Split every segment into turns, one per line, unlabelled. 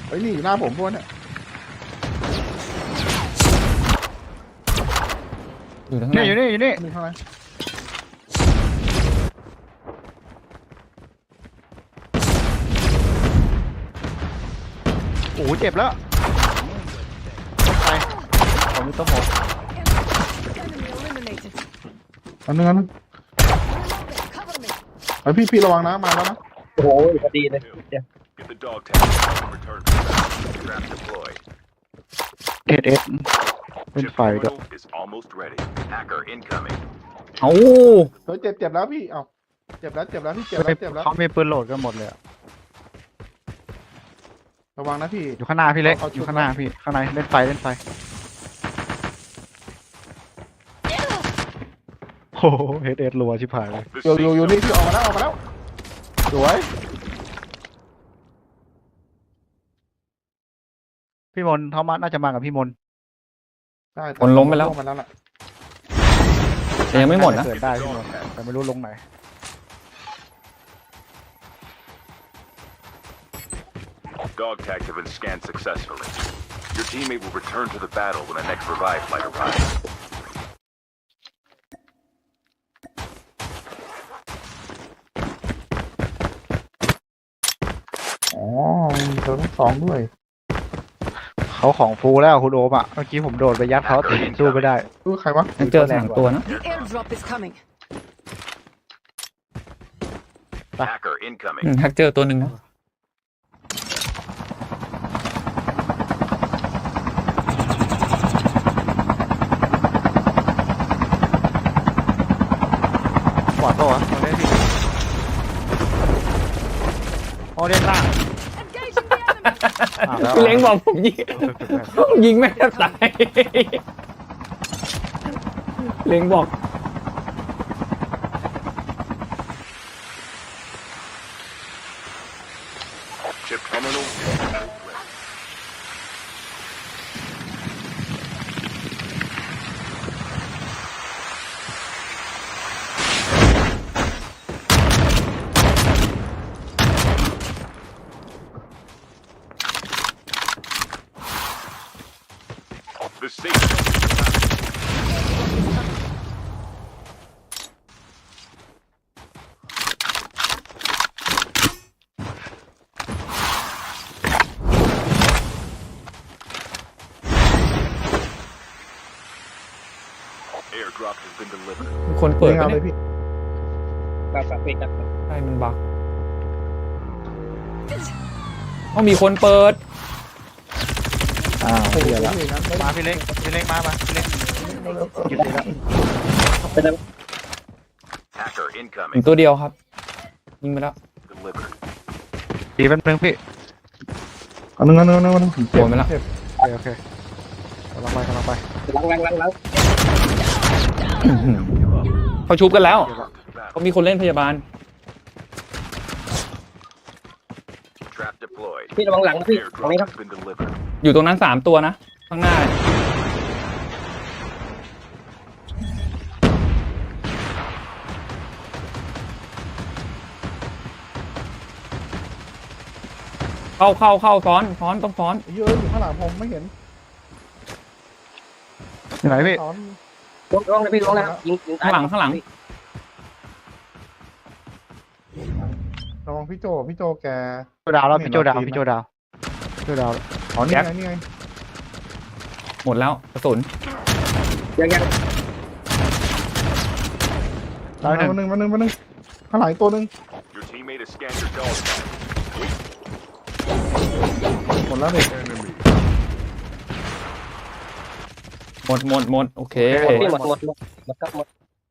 เฮ้ยนี่อยู่หน้าผมพวกเนี่ย
อยู่ทั้งไหน
นี่อยู่นี่
มีข้างใน
โอ้โหเจ็บแล้วไปผมมีตัวหมด
Enemy eliminated.
อันนึง
Cover me.
ไอพี่ระวังนะมาแล้วนะ
โอ้โหพอดีเลยเดี๋ยว
Get the dog tag. Return to battle. Trap deployed.
เอสเป็น
Chip
ไฟด้วย
terminal is almost ready. Hacker incoming.
เอ้า
เฮ้ยเจ็บแล้วพี่เอ้าเจ็บแล้วพี่เจ็บแล้ว
เขามีปืนโหลดกันหมดเลยอะ
ระวังนะพี่
อยู่ข้างหน้าพี่เล็ก
เอาชุด
อยู่ข้างหน้าพี่ข้างในเล่นไฟโอ้โหเอสรัวชิบหายเลย
The
อยู่
safe
นี่
zone
พี่ออกมาแล้วสวย
พี่มนเขามาน่าจะมากับพี่มน
ได้
คนล้มไปแล้ว
มาแล้วล่ะ
แต่ยังไม่หมดนะ
เกิดได้พี่มนแต่ไม่รู้ลงไหน
Dog tags have been scanned successfully. Your teammate will return to the battle when the next revive flight arrives.
อ๋อมีเธอทั้งสองด้วย
เขาของฟูแล้วคุณโอมอ่ะเมื่อกี้ผมโดดไปยัดเขาแต่สู้ไม่ได้
ใครวะ
ยังเจอ3ตัวนะ
The airdrop is coming.
Hacker incoming.
แฮกเจอตัวหนึ่งนะ
ขวาตัวตรงนี้พี่โอเล่นล่าง
Engaging the enemy.
แล้ว
พี่เล้งบอกผมยิงไม่แทบตายเล้งบอก
Chip terminal is almost ready. The safe zone. Airdrop has been delivered.
คนเปิด
เอา
ปะ
เล
เนี่ย ย
พี่
กับปิดกับ
ใช่มันบักต้องมีคนเปิด
อ้าว
โอ้โห
เดี๋ยวแล้ว
พี่งั้นไม่
มาพี่เล็กพี่เล็กมาพี่เล็กหยุดเลยแล้ว
เป็นอะไร
Hacker
ถึง
incoming.
ตัวเดียวครับ ยิงไปแล้ว
Delivered.
ดีแป๊บนึงพี่
อันนึงผมเจ็บ
โดนไปแล้ว
เจ็บ
โอเคกำลังไป
ล้าง
เขาชุบกันแล้ว
Return to the battle.
เขามีคนเล่นพยาบาล
Trap deployed.
พี่ระวังหลังนะพี่ตรง
Airdrop
นี้ครับ
has been delivered.
อยู่ตรงนั้น3ตัวนะ ข้างหน้า เข้าซ้อนต้องซ้อน
เยอะอยู่ข้างหลังผมไม่เห็น
อยู่ไหนพี่
ซ้อน
ลงนะพี่ลงนะยิง
ข้างหลัง
ระวังพี่โจแก
โจดาวแล้วพี่โจดาว
อ๋อนี่ไง
หมดแล้วกระสุน
ยัง
ดาวหนึ่ง
วันหนึ่งข้างหลังอีกตัวหนึ่ง
Your teammate has scanned your dog tag.
หมดแล้วนี่
Enemy.
หมดโอเค
พี่หมดครับหมด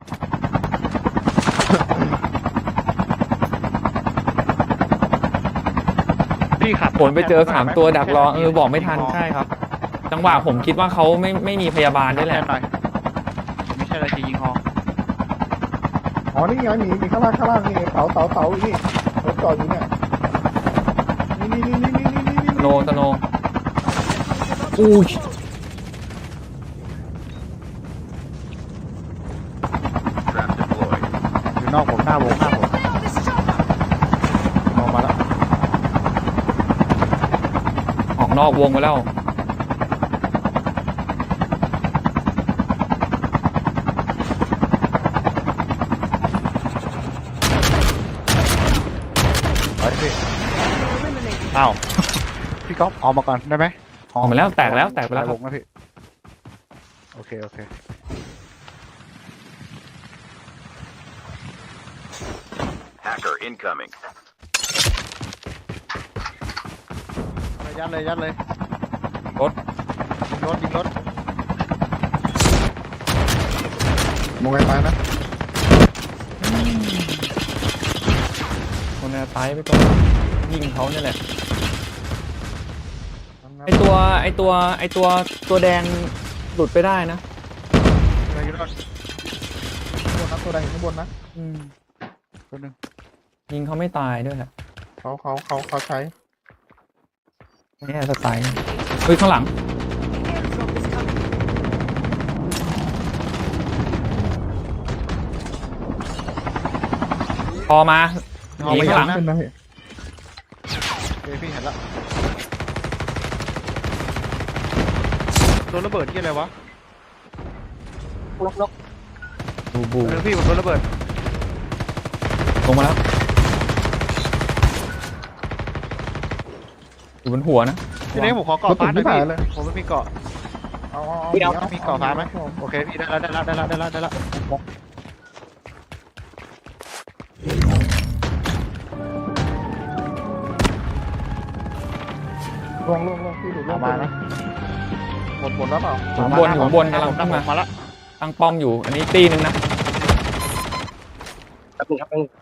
พี่ขับ
ผลไปเจอ3ตัวดักรอบอกไม่ทันใช่ครับ จังหวะผมคิดว่าเขาไม่มีพยาบาลด้วยแหละ
หน่อยไม่ใช่อะไรจะยิงฮอ
อ๋อนี่ไงมีข้างล่างนี่เสาอยู่นี่รถจอดอยู่เนี่ยนี่
สโนอุ้ย
Trap deployed.
อยู่นอกผมหน้าวง
Nail this chopper.
มองมาแล้ว
นอกวงไปแล้ว
เฮ้ยพี่
Eliminated.
อ้าว พี่ก๊อฟออกมาก่อนได้ไหม
ออกมาแล้วแตกแล้วแตกไปแล้วคว รับ
งนะพี่ โอเค โอเค
Hacker incoming.
ยัดเลยยัดเลย
รถ
ยิงรถยิงรถ
มองไกลๆนะ
คนน่ะตายไปก่อนยิงเขาเนี่ยแหละไอตัวแดงหลุดไปได้นะ
อะไรยิงรถ
ข้างบนนะตัวแดงอยู่ข้างบนนะ
ตัวหนึ่ง
ยิงเขาไม่ตายด้วยแหละ
เขาใช้
เนี่ยสไตล์เฮ้ยข้างหลัง
Airdrop is coming.
พอมาห
เอา
นี
ไป
ข้างหลัง
นะ
ขึ้นนะพี่
เฮ้ยพี่เห็นละโดนระเบิดที่อะไรวะ
นก
บูบู
เออพี่ผมโดนระเบิด
ลงมาแล้วอยู่บนหัวนะ
พี่เล็กผมขอเกาะฟ้าหน่อยพี่ผมไม่มีเกาะ
เอา
มีเกาะฟ้าไหมโอเคพี่ได้แล้ว
ลงพี่ดูล
เอา
ง
มานะ
หมดแล้วเปล่า
อยู่ข้างบนกำลังขึ้นมา
มาละ
ตั้งป้อมอยู่อันนี้ตีหนึงนะ
แป๊บนึงครับแป๊บนึง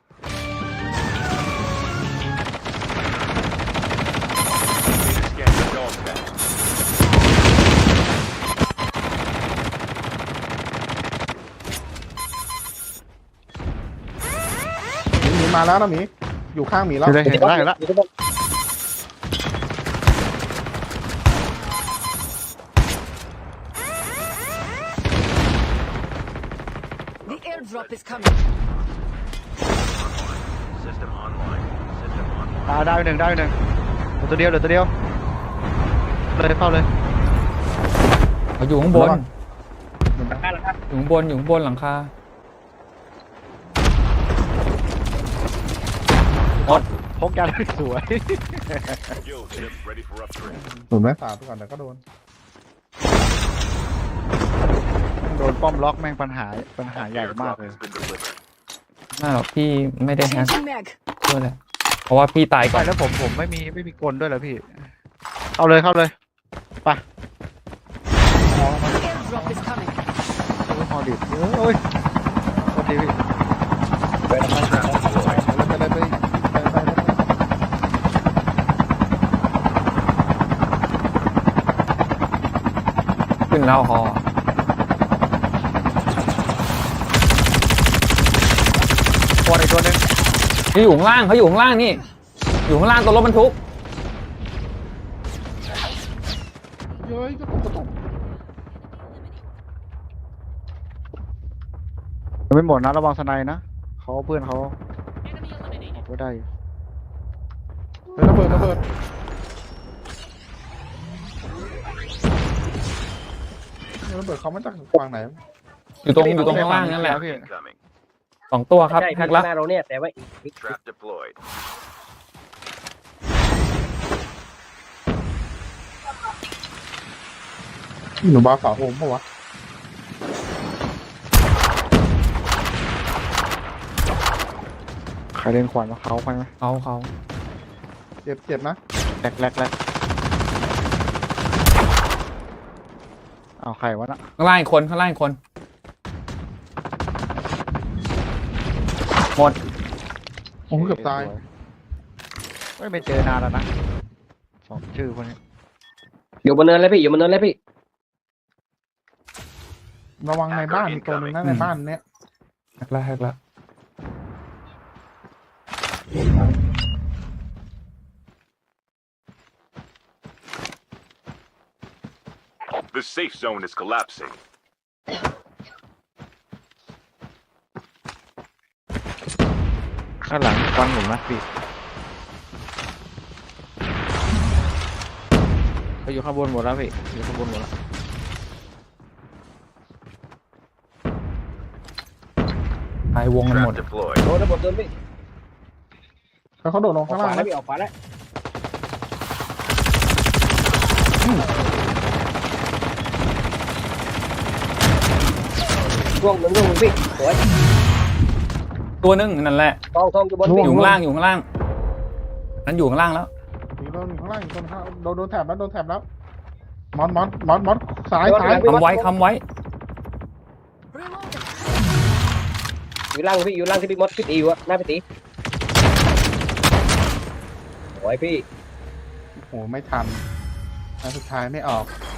Scan the dog tag.
หมีมาแล้วนะหมีอยู่ข้างหมีแล้ว
เห็นได้แล้ว
อยู่ข้างบน
The airdrop is coming.
System online. System online.
ได้ไปหนึ่งเหลือตัวเดียวเลยเข้าเลย
เขาอยู่ข้างบน
หลังคา
อยู่ข้างบนหลังคา
พกยาได้สวย
Skill chip ready for upgrade.
หนุนแม่สาดไปก่อนแต่ก็โดน
โดนป้อมล็อกแม่งปัญหาใหญ่มาก
Airdrop
เลย
has been delivered.
น่าหรอกพี่ไม่ได้แฮก
Changing mag.
ด้วยแหละเพราะว่าพี่ตายก่
ไป
อน
แล้วผมไม่มีกลด้วยเหรอพี่ เข้าเลย
The airdrop is coming.
ฮอดิบโอ้ยโทษทีพี่
ไป
ขึ้นแล้วฮอ
ตัวอีกตัวหนึง
เขาอยู่ข้างล่างนี่ อยู่ข้างล่างตัวรถบรรทุก
เย้ยกระตุก
ยังไม่หมดนะระวังสไนนะเขาเพื่อนเขาก็ได้อยู่
ระเบิดเขามาจากฝั่งไหน
อยู่ตรงข้างล่างนั่นแหละ
พี่
Incoming.
2 ตัวครับ
ใช่
แฮ
พี่
กละ
หน้าเราเนี่ยแต่ว่าอีก
Trap deployed.
หนูบาฝาโฮมปะวะ
ใครเล่นขวานมาเขาไปไหม
เขา
เจ็บนะ
แรกเอาใครวะน่ะ
ข้างล่างอีกคนหมด
โอ้โหเกือบตาย
ไม่เจอนานแล้วนะสองชื่อคนนี้
อยู่บนเนินเลยพี่อยู่บนเนินเลยพี่
ระวังในบ้านมีตัวนึงนะในบ้านเนี้ย
แฮกละ
The safe zone is collapsing.
ข้างหลังฟังผมนะพี่เขาอยู่ข้างบนหมดแล้วพี่อยู่ข้างบนหมดแล้ว
ไปวงกันหมด
Trap deployed.
โดนระเบิดโดนพี่
แล้วเขาโดดลง
ออ
ข้าก ง
ข
ล่าง
วาแล้
แล้ว ว
พี่ออกขวาแล้วร่วงหนึ่งพี่สวย
ตัวนึงนั่นแหละ
ทองอยู่บน
อ
พี่
ยู่ข้างล่างอยู่ข้างล่างนั้นอยู่ข้างล่างแล้ว
อยู่ข้างล่างอยู่ข้างล่างโดนแถบแล้วโดนแถบแล้วมอสซ้ายซ้าย
คำไว้คำไว้
อยู่ล่างพี่อยู่ล่างที่พี่มดพี่ตีอยู่อะหน้าพี่ตีสวยพี่
โอ้โหไม่ทันอันสุดท้ายไม่ออก